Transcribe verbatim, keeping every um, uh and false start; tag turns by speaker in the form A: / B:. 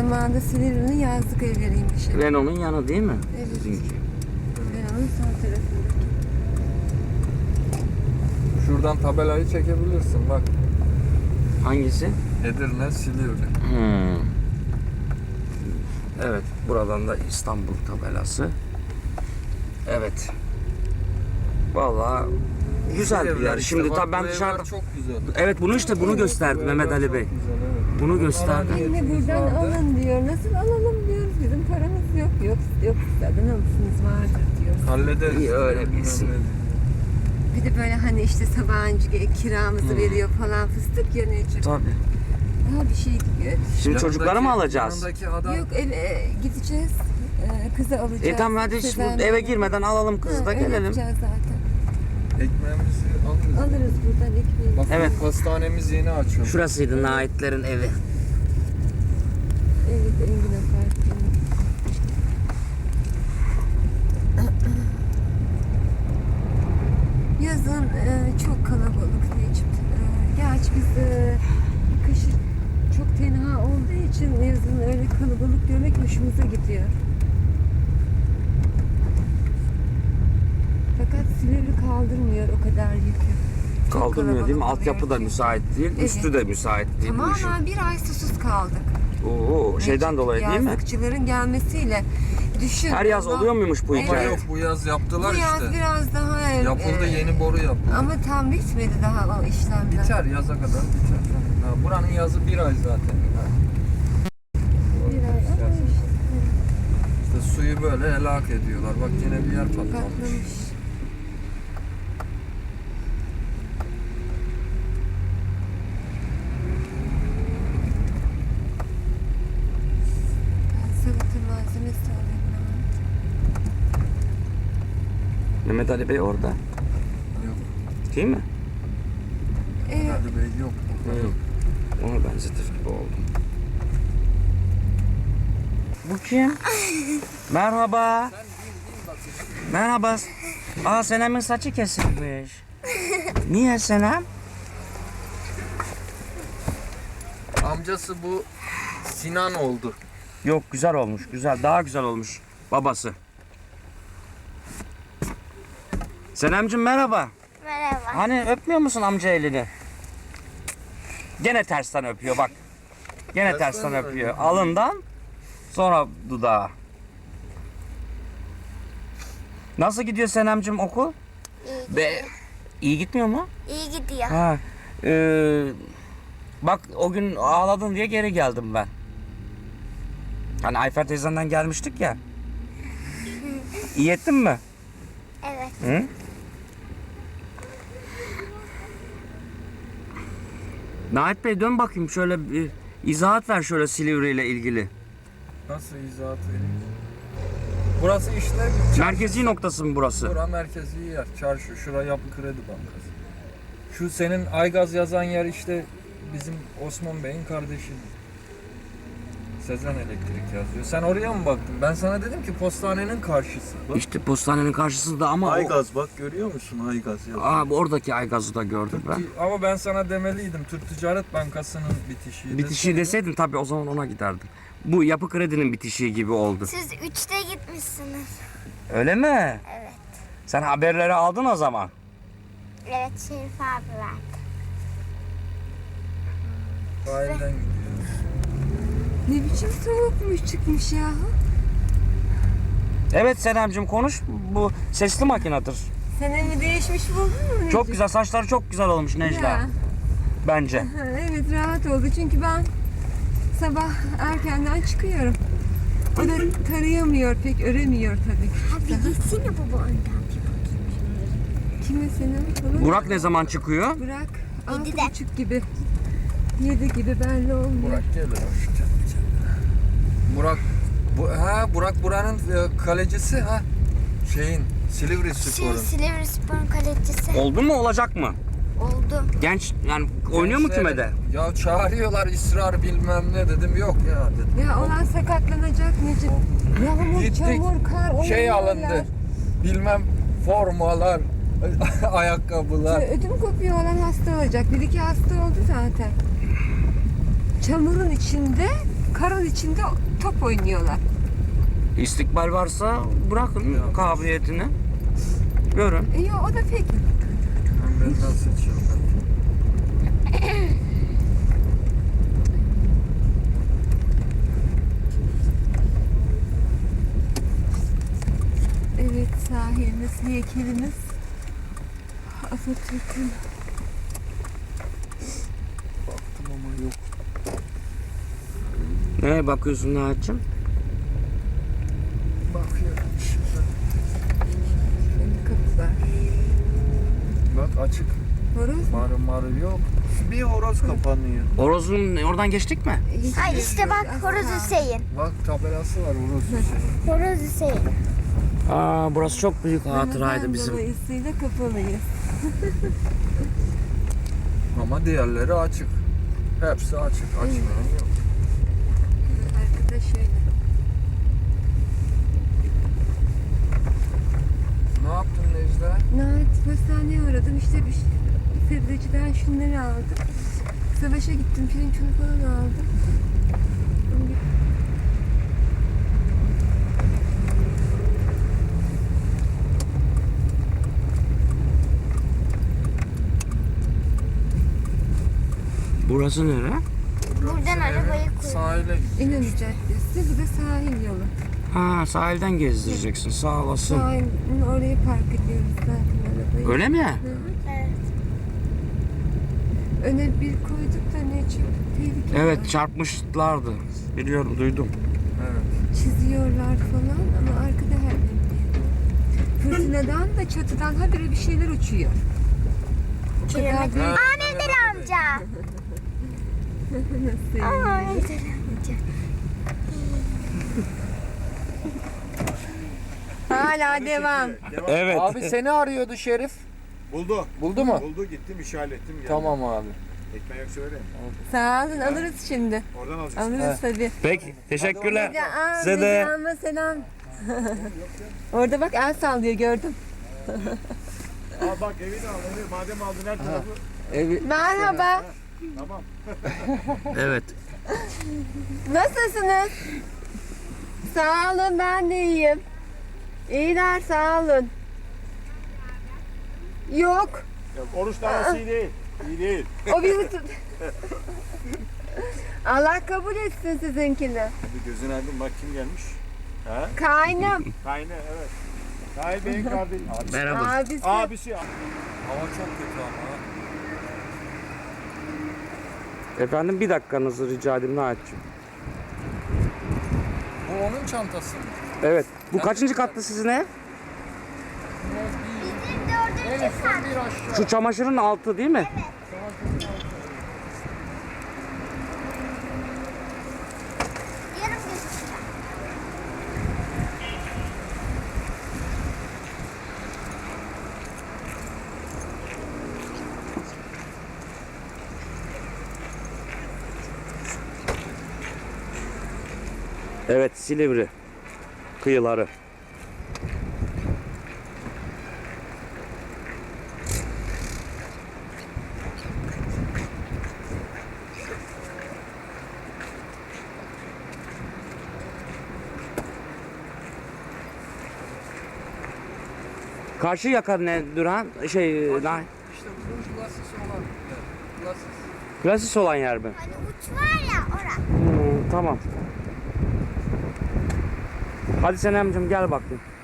A: zamanında Silivri'nin yazlık evleriymiş.
B: Renault'un yanı değil mi?
A: Evet.
B: Sizinki.
A: Renault'un sağ tarafındaki.
C: Şuradan tabelayı çekebilirsin bak.
B: Hangisi?
C: Edirne, Silivri.
B: Hmm. Evet, buradan da İstanbul tabelası. Evet. Vallahi güzel bir yer. Şimdi tabii ben dışarıda...
C: Çok güzel.
B: Evet, bunu işte bunu gösterdi Mehmet Ali Bey. Bunu gösterdi.
A: Anne buradan alın diyor. Nasıl alalım diyoruz. Bizim paramız yok. Yok yok. Adına mısınız vardır diyoruz.
C: Hallederiz.
B: İyi, öyle bilsin.
A: Bir de böyle hani işte Sabancı kiramızı
B: Hmm.
A: veriyor falan fıstık ya Necip.
B: Tabii.
A: Daha bir şey gibi.
B: Şimdi çocukları mı alacağız?
C: Yanındaki adam
A: Yok eve gideceğiz. Ee, kızı alacağız.
B: E tamam hadi şu
A: Sezen-
B: eve girmeden alalım kızı
A: Ha,
B: da
A: öyle
B: gelelim.
A: yapacağız zaten.
C: ekmeğimizi alırız.
A: Alırız buradan ekmeği.
C: Bak
B: Evet.
C: pastanemiz yeni açıyor.
B: Şurasıydı Naitlerin evi.
A: Evet Engin Apartmanı. Yazın e, çok kalabalık Necip. E, gerçi biz e, kış çok tenha olduğu için yazın öyle kalabalık görmek hoşumuza gidiyor. Fakat Silivri kaldırmıyor o kadar yükü. Çok
B: Kaldırmıyor değil mi?
A: kalabalık
B: Altyapı da
A: oluyor.
B: müsait değil,
A: Evet.
B: üstü de müsait değil bu işin.
A: Tamamen bir ay susuz kaldık.
B: Oo, şeyden
A: Necip,
B: dolayı değil mi?
A: Yazlıkçıların gelmesiyle. Düşün.
B: Her yaz
A: Allah-
B: oluyor muymuş bu
C: Ama
B: hikaye?
C: yok bu yaz yaptılar
A: Bu yaz
C: işte.
A: biraz daha
C: Yapıldı
A: e,
C: yeni boru yapıldı.
A: Ama tam bitmedi daha o işlemler.
C: Biter yaza kadar biter. Ha, buranın yazı bir ay zaten. Ha.
A: Bir ay ama işte
C: İşte suyu böyle helak ediyorlar. Bak yine bir yer patlamış.
A: patlamış. Ben salata malzemesi alayım ben.
B: Mehmet Ali Bey orada.
C: Yok.
B: Değil mi?
A: Evet.
C: Hadi Bey yok.
B: Hı. Ona benzetir gibi oldum. Bu kim? Merhaba. Merhaba. Aa Senem'in saçı kesilmiş. Niye Senem?
C: Amcası bu Sinan oldu.
B: Yok güzel olmuş. Güzel. Daha güzel olmuş. Babası. Senemciğim merhaba.
D: Merhaba.
B: Hani öpmüyor musun amca elini? Gene tersten öpüyor bak. Gene
C: Tersten
B: tersten
C: mi
B: öpüyor.
C: öpüyor?
B: Alından sonra dudağa. Nasıl gidiyor Senemciğim okul?
D: İyi,
B: Be iyi gitmiyor mu?
D: iyi gidiyor.
B: Ha. eee, bak o gün ağladın diye geri geldim ben. Hani Ayfer teyzenden gelmiştik ya. İyi ettin mi?
D: Evet.
B: Hı? Nait Bey dön bakayım şöyle bir izahat ver şöyle Silivri ile ilgili.
C: Nasıl izahat vereyim? Burası işte
B: Merkezi noktası mı burası?
C: Bura merkezi yer. Çarşı. Şura Yapı Kredi Bankası. Şu senin Aygaz yazan yer işte bizim Osman Bey'in kardeşi. Sezen Elektrik yazıyor. Sen oraya mı baktın? Ben sana dedim ki postanenin karşısı. Bak.
B: İşte postanenin karşısında ama o...
E: Aygaz bak görüyor musun Aygaz yazıyor.
B: Aa, bu oradaki Aygaz'ı da gördüm ben.
C: Ama ben sana demeliydim. Türk Ticaret Bankası'nın bitişi.
B: Bitişi deseydin tabii o zaman ona giderdim. Bu Yapı Kredi'nin bitişi gibi oldu.
D: Siz üçte gitmişsiniz.
B: Öyle mi?
D: Evet.
B: Sen haberleri aldın o zaman.
D: Evet Şerif abi verdi.
C: Sahilden gidiyoruz.
A: Ne biçim soğukmuş çıkmış ya.
B: Evet Senemciğim konuş. Bu sesli makinedir.
A: Senemi değişmiş buldun mu Necip?
B: Çok güzel saçları çok güzel olmuş Necla.
A: Ya.
B: Bence.
A: Ha, evet rahat oldu çünkü ben sabah erkenden çıkıyorum. O da tarayamıyor pek öremiyor tabii.
D: Abi gitsene baba önden bir bakayım.
A: Kime senin?
B: Burak ne zaman çıkıyor?
A: Burak altı
D: Yedide.
A: buçuk gibi. Yedi gibi belli olmuyor.
C: Burak gelir hoş kendi kendine. Burak bu ha Burak buranın e, kalecisi ha şeyin Silivri
D: Şey
C: Spor'un.
D: Silivri Spor'un kalecisi.
B: Oldu mu olacak mı?
D: Oldu.
B: Genç yani oynuyor mu
C: Gençler-
B: kümede?
C: Ya çağırıyorlar ısrar bilmem ne dedim yok ya dedim.
A: Ya olan sakatlanacak Necip. Yağmur,
C: Gittik.
A: çamur, kar,
C: Şey
A: oynuyorlar.
C: alındı. Bilmem formalar, ayakkabılar.
A: Ödüm kopuyor olan hasta olacak. Bir iki hasta oldu zaten. Çamurun içinde karın içinde top oynuyorlar.
B: İstikbal varsa bırakın kabiliyetini. Görün.
A: E ya o da pek.
C: Ben benden seçiyorum.
A: Evet, sahilimiz, heykelimiz. Atatürk'ün.
E: Baktım ama yok.
B: Neye bakıyorsun Nihat'cığım?
C: Bakıyorum şimdi.
A: Ön kapılar.
C: Bak açık.
A: Horoz mu?
C: Marı marı yok.
E: Bir horoz kapanıyor.
B: Oroz'un oradan geçtik mi?
D: Ay işte bak Horoz Hüseyin.
C: Bak tabelası var orası.
D: Horoz Hüseyin.
B: Aa, burası çok büyük hatıraydı
A: Ramazan
B: bizim.
A: dolayısıyla kapalıyız.
C: Ama diğerleri açık. Hepsi açık. Açmayan yok.
A: Arkada şöyle.
C: Ne yaptın Necla?
A: Naat pastaneye uğradım. İşte bir sebzeciden şunları aldım. Savaşa gittim. Pirinç unu falan aldım.
B: Burası nere?
D: Buradan arabayı koy.
C: Sahile git.
A: İnönü Caddesi. Bu da sahil yolu.
B: Ha, sahilden gezdireceksin. Sağ olasın.
A: Sahilin oraya park ediyoruz zaten arabayı.
B: Öyle mi?
D: Evet.
A: Öne bir koyduk da ne çok tehlikeli.
B: Evet, çarpmışlardı. Biliyorum, duydum.
C: Evet.
A: Çiziyorlar falan ama arkada her biri. Fırtınadan da çatıdan habire bir şeyler uçuyor. O kadar
D: Kilometre.
A: büyük.
D: Ahmet Ali amca.
A: Nasıl yani?
D: Ahmet Ali amca.
A: Hala devam.
B: Evet.
C: Abi seni arıyordu Şerif.
F: Buldu.
C: Buldu mu?
F: Buldu gittim işaret ettim geldim.
C: Tamam abi.
F: Ekmeği yok söyleyeyim.
A: Sağ olun, alırız şimdi.
F: Oradan alacaksın.
A: Alırız tabii.
B: Peki, teşekkürler.
A: Ya, aa,
B: Size de.
A: Medyama selam. Orada bak el sallıyor gördüm.
F: Aa bak evi de al evi. Madem aldın her tarafı.
C: Evi
A: Merhaba.
F: Tamam.
B: Evet.
A: Nasılsınız? Sağ olun, ben de iyiyim. İyiler, sağ olun. Yok,
F: Yok, oruç tanesi iyi değil. İyi değil.
A: o bizi tut. Allah kabul etsin sizinkini.
F: Bir gözün aydın bak kim gelmiş. Ha?
A: Kaynım,
F: Kayne evet. Kayne Bey'in kardeşi. Abisi.
B: Merhaba.
A: abisi.
F: Abisi.
C: hava çok kötü ama.
B: Efendim, bir dakikanızı rica edeyim Nihat'cığım.
C: Bu onun çantası mı?
B: Evet. Bu kaçıncı katta sizin ev?
D: Bizim dördüncü kat.
C: Bir aşağı.
B: Şu çamaşırın altı değil mi?
D: Yarım gözüküyor.
B: Evet, Silivri kıyıları. Karşı yaka ne Duran? Şey, lan,
C: İşte bu klasis olan. Evet, klasis.
B: klasis olan yer mi?
D: Hani uç var ya ora.
B: Hmm, tamam. Hadi Senemciğim gel bakayım.